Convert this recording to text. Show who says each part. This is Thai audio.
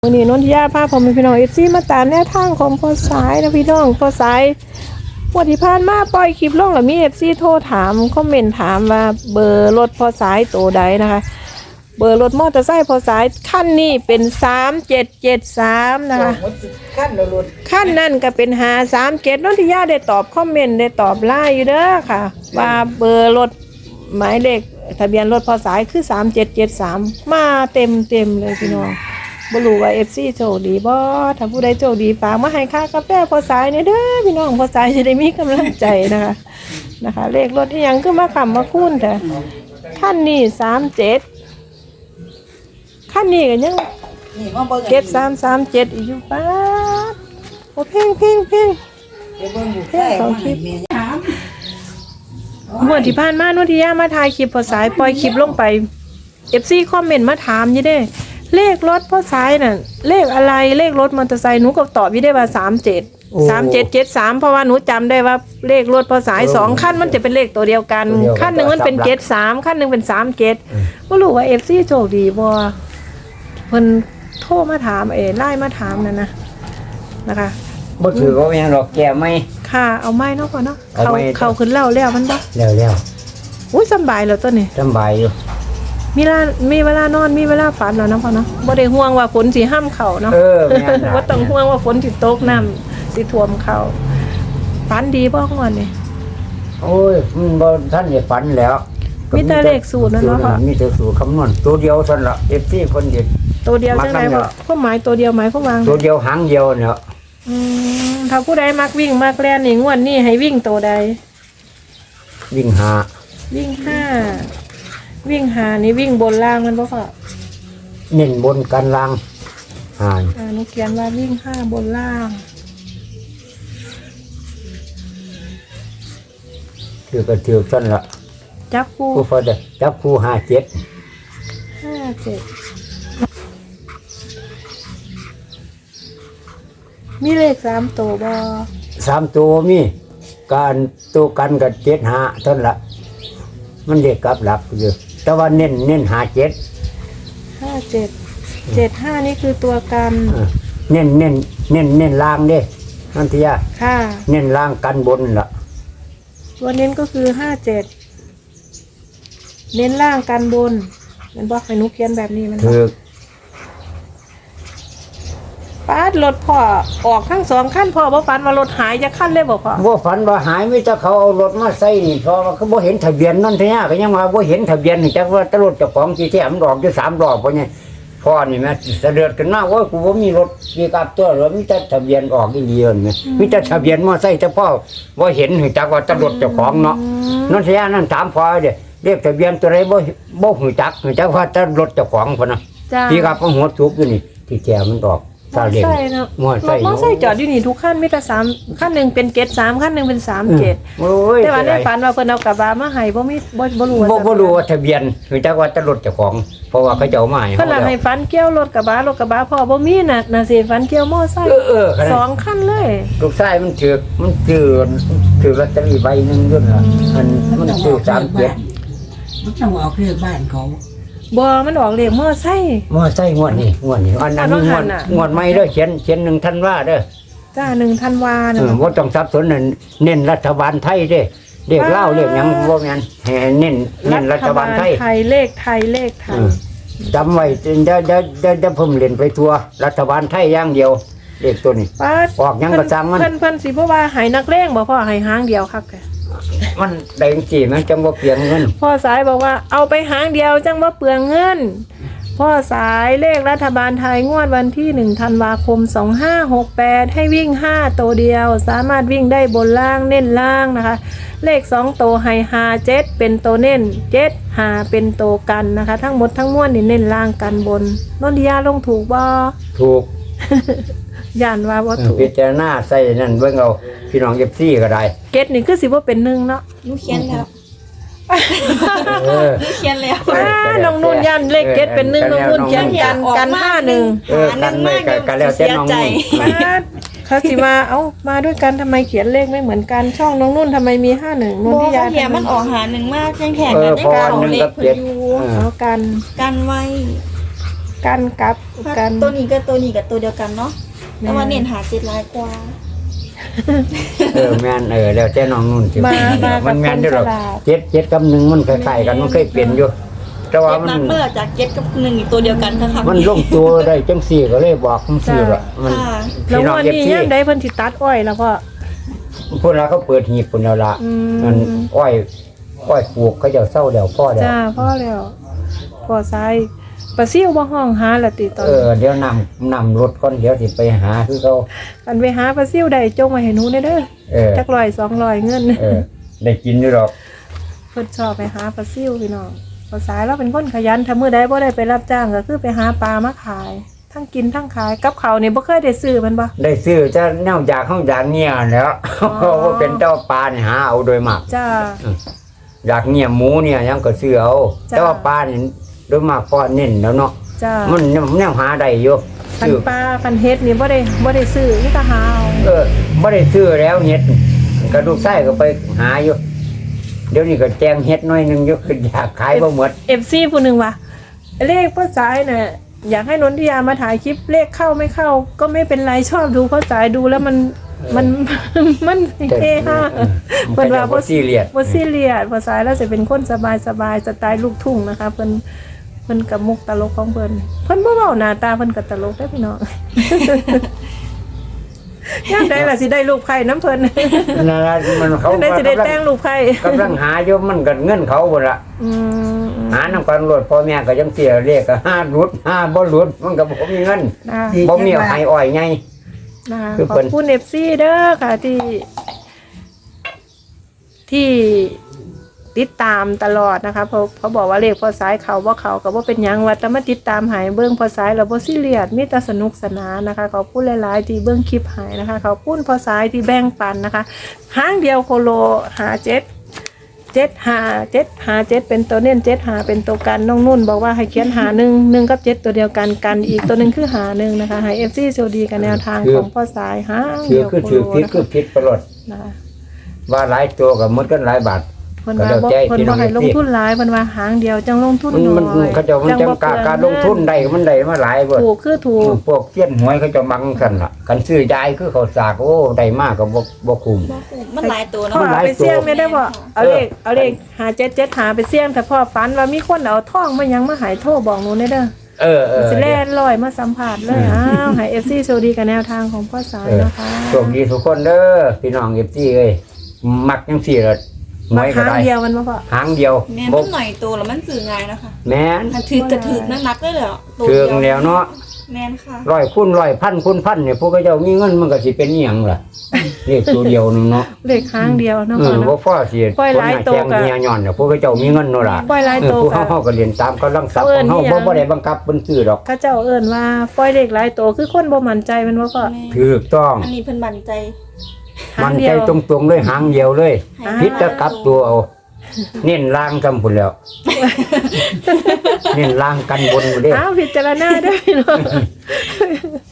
Speaker 1: วันนี้นนทิยาพาผมเป็นพี่น้องเอฟซีมาตามแนวทางของพอสายนะพี่น้องพอสายวันที่ผ่านมาปล่อยคลิปลงแล้วมีเอฟซีโทรถามคอมเมนต์ถามว่าเบอร์รถพอสายตัวใดนะคะเบอร์รถมอเตอร์ไซค์พอสายขั้นนี้เป็น3773นะคะขั้นนั่นก็เป็น537นนทิยาได้ตอบคอมเมนต์ได้ตอบไลน์อยู่เด้อค่ะว่าเบอร์รถหมายเลขทะเบียนรถพอสายคือ3773มาเต็มเลยพี่น้องบ่รู้ว่า FC โชคดีบ่ถ้าผู้ใดโชคดีฝากมาให้ค่ากาแฟพอสายเนี่ยเด้อพี่น้องพอสายจะได้มีกำลังใจนะคะเลขรถอีหยังคือมาค้ำมาคูณแต่คันนี้37คันนี้ก็ยัง7337อีกอยู่ป๊าดโอ้เพ่งสองคลิปเมื่อที่ผ่านมาโนทิยามาถ่ายคลิปพอสายปล่อยคลิปลงไป FC คอมเมนต์มาถามอยู่เด้เลขรถพ่อสายน่ะเลขอะไรเลขรถมอเตอร์ไซค์หนูก็ตอบอยู่ได้ว่า3773เพราะว่าหนูจำได้ว่าเลขรถพ่อสาย2คันมันจะเป็นเลขตัวเดียวกันคันหนึ่งมันเป็น73คันหนึ่งเป็น37บ่รู้ว่า FC โชคดีบ่เพิ่นโทรมาถามไลน์มาถามนั่นนะคะ
Speaker 2: บ่ถือก็ยังหรอกแก่ไหม
Speaker 1: ค่ะเอาไม้เนาะพ่อเนาะเขาขึ้นแล้วมันบ่
Speaker 2: แล้ว
Speaker 1: อุ้ยสบายแล้วตัวนี้
Speaker 2: สบายอยู่
Speaker 1: มีเวลานอนมีเวลาฝันแล้วนะพ่อเนาะบ่ได้ห่วงว่าฝนสิห้ามเข้าเนาะบ่ต้องห่วงว่าฝนสิตกน้ำสิท่วมเข้าฝันดีบ่งวดนี่
Speaker 2: โอ้ยมันบ่ทันได้ฝันแล้ว
Speaker 1: มีแต่เลขสูตรนั่นเนาะค่ะ
Speaker 2: มีแต่สูตรคำนวณตัวเดียวซั่นล่ะ FC เพิ่นเฮ็ด
Speaker 1: ตัวเดียวจังได๋บ่ความหมายตัวเดียวหมายความว่า
Speaker 2: ตัวเดียวหางเดียวเนี่ย
Speaker 1: ถ้าผู้ใดมักวิ่งมักแล่นนี่งวดนี้ให้วิ่งตัวใด
Speaker 2: วิ่ง
Speaker 1: 5วิ่ง5นี่วิ่งบนล่างมันบ่ค่ะ
Speaker 2: เน้นบนกันล่าง
Speaker 1: หนูเขียนว่าวิ่ง5บนล่าง
Speaker 2: คือก็ถือซั่นล่ะ
Speaker 1: จับคู่
Speaker 2: พอได้จับคู่57
Speaker 1: มีเลข3ตัวบ่
Speaker 2: 3ตัวมีการตัวกันกับ75เท่านั้นล่ะมันเด็กกับหลักอยู่แต่ว่าเน้น57
Speaker 1: 75นี่คือตัวกัน
Speaker 2: เน้นล่างเด้นันทิยา
Speaker 1: ค่ะ
Speaker 2: เน้นล่างกันบนล่ะ
Speaker 1: ตัวเน้นก็คือ57เน้นล่างกันบนมันบอกให้หนูเขียนแบบนี้มัน
Speaker 2: ถูก
Speaker 1: ป้ารถพ่อออกทั้ง2คันพ่อบ่ฝันว่ารถหายจะคันเลยบ่พ่อ
Speaker 2: บ่ฝันว่าหายมีแต่เขาเอารถมาใส่นี่พอเขาบ่เห็นทะเบียนนั่นทิยาก็ยังว่าบ่เห็นทะเบียนจักว่าตรถเจ้าของที่แท้มันดอกอยู่3ดอกเพราะนี่พ่อนี่แม่เสด็จกันมาว่ากูบ่มีรถปีกับตัวรถมีแต่ทะเบียนออกอีเดียวนี่มีแต่ทะเบียนมอไซค์แต่พ่อบ่เห็นจักว่าตรถเจ้าของเนาะนั่นทิยานั่นถามพ่อเด้เรียกทะเบียนตัวใดบ่ฮู้จักว่าตรถเจ้าของพุ่นน่ะปีกับหัวทุกอยู่นี่ที่แจมันออกซาเล้ง
Speaker 1: มอไซค์จอดอยู่นี่ทุกคันมีแต่3คันนึงเป็น73คันนึงเป็น37แต่ว่าในฝันว่าเพิ่นเอากระบะมาให้บ่มีบ่รู้
Speaker 2: ว่าทะเบียนจักว่าตรถเจ้าของเพราะว่าเขาเจ้ามาให้
Speaker 1: เพิ่นให้ฝันเกี่ยวรถกระบะพ่อบ่มีน่ะสิฝันเกี่ยวมอไซค์2คันเลย
Speaker 2: ลูกชายมันถือลอตเตอรี่ใบนึงด้วยล่ะมันซื้อ37
Speaker 3: มันต้องออกเลขบ้านเขา
Speaker 1: บ่มันออกเลขมอไซค์
Speaker 2: งวดนี้อันนั้นงวดใหม่เด้อเขียน1ธันวาเด้อ
Speaker 1: จ้า1ธันวาน่ะ
Speaker 2: บ่ต้องสับสนนั่นเน้นรัฐบาลไทยเด้เลขลาวเลขหยังบ่แม่นให้เน้นรัฐบาลไทย
Speaker 1: เลขไทย
Speaker 2: จำไว้จะเพิ่มเล่นไปทั่วรัฐบาลไทยอย่างเดียวเลขตัวนี้ออกหยังก็จังมัน
Speaker 1: เพิ่นสิบ่ว่าให้นักเลงบ่พ่อให้หางเดียวคัก
Speaker 2: มันได้จังซี่มันจังบ่เปลืองเงิน
Speaker 1: พ่อสายบอกว่าเอาไปหางเดียวจังบ่เปลืองเงินพ่อสายเลขรัฐบาลไทยงวดวันที่1ธันวาคม2568ให้วิ่ง5ตัวเดียวสามารถวิ่งได้บนล่างเน้นล่างนะคะเลข2ตัวให้57เป็นตัวเน้น75เป็นตัวกันนะคะทั้งหมดทั้งมวลนี่เน้นล่างกันบนนนทิยาลงถูกบ่
Speaker 2: ถูก
Speaker 1: ย่านว่าบ่ถูก
Speaker 2: พิจารณาใส่นั่นเบิ่งเอาพี่น้อง FC ก็ได้
Speaker 1: เกตนี่คือสิบ่เป็น1เนาะ
Speaker 4: หนูเขียนแล้วเขียนแล้ว
Speaker 1: น้องนุ่นยันเลขเกตเป็น1น้องนุ่นเขียนกัน51
Speaker 2: กันไม่กันแล้วแต่น้องนุ่น
Speaker 1: เขาสิมามาด้วยกันทำไมเขียนเลขไม่เหมือนกันช่องน้องนุ่นทำไมมี51นนทิยา
Speaker 4: เขียนมันออกหา1มากยังแข่งกันได้เก่าเลขเพิ่นอยู่
Speaker 1: กัน
Speaker 4: ไว้
Speaker 1: กันกับกัน
Speaker 4: ตัวนี้กับตัวนี้กับตัวเดียวกันเนาะแต่ว่าเน้นหา7ลายกว่า
Speaker 2: แม่นแล้วแต่น้องนุ่นสิ
Speaker 1: มากั
Speaker 2: มั
Speaker 1: บ
Speaker 2: น
Speaker 1: ค
Speaker 2: แม่น
Speaker 1: น
Speaker 2: เด้อ
Speaker 1: ฉ
Speaker 2: หรอก
Speaker 1: ลาด
Speaker 2: 7กับ1มันคล้ายๆกันมันเคยเปลี่ยนอยู่แต่ว่า
Speaker 4: เจ็ด
Speaker 2: มัน
Speaker 4: นัดเมื่อจาก7กับ1อีกตัวเดียวกันค่ะ
Speaker 2: มันลงตัวได้จังซี่ก็เลยบอกจังซี่ล่ะมัน
Speaker 4: ค่ะ
Speaker 1: แล้ว
Speaker 2: พี่น้อง
Speaker 1: วัน
Speaker 2: เอฟ
Speaker 1: นี้
Speaker 2: ซี
Speaker 1: ย่ามได้เพิ่นสิตัดอ้อยแล้วก็
Speaker 2: พวกเราเขาเปิดหีบพุ่นแล้วล่ะ
Speaker 1: อืม
Speaker 2: มันอ้อยปลูกเขาเจ้าเศร้าแล้วพ่อแล้ว
Speaker 1: จ้าพ่อแล้วพ่อซ้ายปลาซิ่วบ่ห้องหาละติตอนนี้
Speaker 2: เดี๋ยวนำรถก่อนเดี๋ยวสิไปหาคือเขา
Speaker 1: กันไปหาปลาซิ่วได้จงไว้ให้หนูเด้อ
Speaker 2: เออ
Speaker 1: จัก100 200เงิน
Speaker 2: ได้กินอยู่หรอก
Speaker 1: เพิ่นชอบไปหาปลาซิ่วพี่น้องภาษายเราเป็นคนขยันถ้ามื้อใดบ่ได้ไปรับจ้างก็คือไปหาปลามาขาย ทั้งกินทั้งขายกับเขาวนี่บ่เคยได้ซื้อมันบ่
Speaker 2: ได้ซื้อจะแนวอยากข้างอยากเงียแหล้ว ว่าเป็นเจ้าปลาเนี่ยหาเอาโดยมาก
Speaker 1: จ้า
Speaker 2: อยากเงียหมูเนี่ยยังก็ซื้อเอา
Speaker 1: จ้ะ
Speaker 2: แต่ว่าปลาเนี่ยโดยมากพ่อเน้นแล้วเนาะ
Speaker 1: จ้า
Speaker 2: มันแนวหาได้อยู่
Speaker 1: คัน
Speaker 2: ซื้อ
Speaker 1: ปลาคันเฮ็ดนี่บ่ได้ซื้อนี่ก็หาเอา
Speaker 2: ไม่ได้ซื้อแล้วเฮ็ดกระดูกไส้ก็ไปหาอยู่ เดี๋ยวนี้ก็แจงเฮ็ดหน้อยหนึงอยู่คืออยากขายบ่หมด
Speaker 1: FC ผู้หนึงว่าเลขพ่อสายน่ะอยากให้นนทิยามาถ่ายคลิปเลขเข้าไม่เข้า ก็ไม่เป็นไรชอบดูพ่อสายดูแล้วมันมันเฮฮาเพิ่นว่า
Speaker 2: บ่ซีเรียส
Speaker 1: บ่ซีเรียสพ่อสายแล้วจะเป็นคนสบายสไตล์ลูกทุ่งนะคะเพิ่นกับมุกตลกของเพิ่นบ่เว้าหน้าตาเพิ่นก็ตลกได้อพี่น้อง ยามใดล่ะสิได้ลูกไผ่น้ำเพิ่น
Speaker 2: นั่นล่ะมันเขา
Speaker 1: ได้สิได้แต่งลูกไผ่
Speaker 2: กำลังหาอยู่มันก็เงินเขาบ่ล่ะ
Speaker 1: อืม
Speaker 2: หานำกันรถพ่อแม่ก็ยังเสียเรียกก็ห้ารุดห้าบ่รุดมันก็บ่มีเงิน
Speaker 1: นะ
Speaker 2: บ่มีเอาให้อ้อยไง
Speaker 1: นะคะ
Speaker 2: คือ
Speaker 1: ขอ
Speaker 2: เพิ่
Speaker 1: บ
Speaker 2: น
Speaker 1: คุณ FC เด้อค่ะที่ติดตามตลอดนะคะเพราะเขาบอกว่าเลขพอสายเขาว่าเขาก็บ่เป็นหยังว่าแต่มาติดตามหายเบิ่งพอสายแล้วบ่ซีเรียสมีแต่สนุกสนานนะคะขอบคุณหลายๆที่เบิ่งคลิปหายนะคะขอบคุณพอสายที่แบ่งปันนะคะหางเดียวโคโลหา7 7 เป็นตัวเน้น7 5เป็นตัวกันน้องนุ่นบอกว่าให้เขียนหา1กับ7ตัวเดียวกันกันอีกตัวหนึงคือหา1นะคะให้ FC โชคดีกันแนวทางของพอสายหาง
Speaker 2: ถื
Speaker 1: เดี
Speaker 2: อ
Speaker 1: ยว
Speaker 2: คือ
Speaker 1: โค
Speaker 2: ถือ
Speaker 1: โล
Speaker 2: ผิด
Speaker 1: นะ
Speaker 2: คือ
Speaker 1: คะ
Speaker 2: ผิดไปรถ
Speaker 1: นะคะ
Speaker 2: ว่าหลายตัวก็หมดกันหลายบาท
Speaker 1: เพิ่นว่าบ่เพิ่นบ่ให้ลงทุนหลายเพิ่นว่าหางเดียวจังลงทุน
Speaker 2: มัน
Speaker 1: น้อย
Speaker 2: เขาเจะมันจังกะการลงทุนได้มันได้มาหลายเบิด
Speaker 1: ถูกคือถูก
Speaker 2: พวกเสี้ยนหวยเขาจะมังกันล่ะกันซื้อยายคือเขาสากโอ้ได้มากก็บ่คุ้ม
Speaker 4: มันหลายตัว
Speaker 1: พ่อ
Speaker 4: เนาะ
Speaker 2: หลาย
Speaker 1: ไปเสี่ยง
Speaker 2: ตัว
Speaker 1: ไม่ได้บ่เอาเลขหา7 หาไปเสี่ยงแต่พ่อฝันว่ามีคนเอาทองมายังมาหายโทรบอกหนูได้เด้อ สิแล่นลอยมาสัมผัสเลยอ้าวให้ FC โชคดีกับแนวทางของพ่อสายนะคะ
Speaker 2: โชคดีทุกคนเด้อพี่น้อง FC เอ้ยมักจังซี่ล่ะห
Speaker 1: มา
Speaker 2: วย
Speaker 1: ค
Speaker 2: ก็
Speaker 1: รั้ง
Speaker 2: ได้
Speaker 1: เดียวมันบ่พ่อ
Speaker 2: หางเดียว
Speaker 4: แม่น
Speaker 2: บ่
Speaker 4: มันหน่อยตัวแล้วมันสื่อง่ายนะคะ
Speaker 2: แม่น
Speaker 4: ถ้าถือกระถือนักๆเลยเหรอตัว
Speaker 2: เชิ
Speaker 4: เดี
Speaker 2: ง
Speaker 4: ยว
Speaker 2: แล้วเนาะ
Speaker 4: แม่นค่ะ
Speaker 2: ร้อยคูณร้อยพันคูณพันเนี่ยพวกเขาเจ้ามีเงินมันก็สิเป็นอีหยังล่ะเลขตัวเดียวนึงเนาะ
Speaker 1: เลขครั้งเดียวเนาะพ่อ
Speaker 2: บ่
Speaker 1: เนาะ
Speaker 2: พอสิ
Speaker 1: ปล่อยหลายตัว
Speaker 2: คนหน้แข็งเมียย้อนเนี่ยพวกเขาเจ้ามีเงินเนาะล่ะ
Speaker 1: ปล่อยหลายตัว
Speaker 2: พวก
Speaker 1: ก็
Speaker 2: เฮาก็เรียนตามกำลังทรัพย์ของเฮาบ่ได้บังคับเพิ่นซื้อดอก
Speaker 1: เขาเจ้าเอิ้นว่าปล่อยเลขหลายตัวคือคนบ่มั่นใจแมันบ่พ่อ
Speaker 4: แม่
Speaker 2: ถูกต้อง
Speaker 4: อันนี้เพิ่นมั่นใจ
Speaker 2: มัน
Speaker 1: เดี
Speaker 2: ใจ
Speaker 1: ยว
Speaker 2: ตรงๆเลยหางเดียวเลย
Speaker 4: ให้
Speaker 2: พิษจะกลับตัวเอาเน้นล่างซำพุ่นแล้ว เน้นล่างกันบนบ่เด้
Speaker 1: อ้าวพิจารณาด้วยพี่น้อง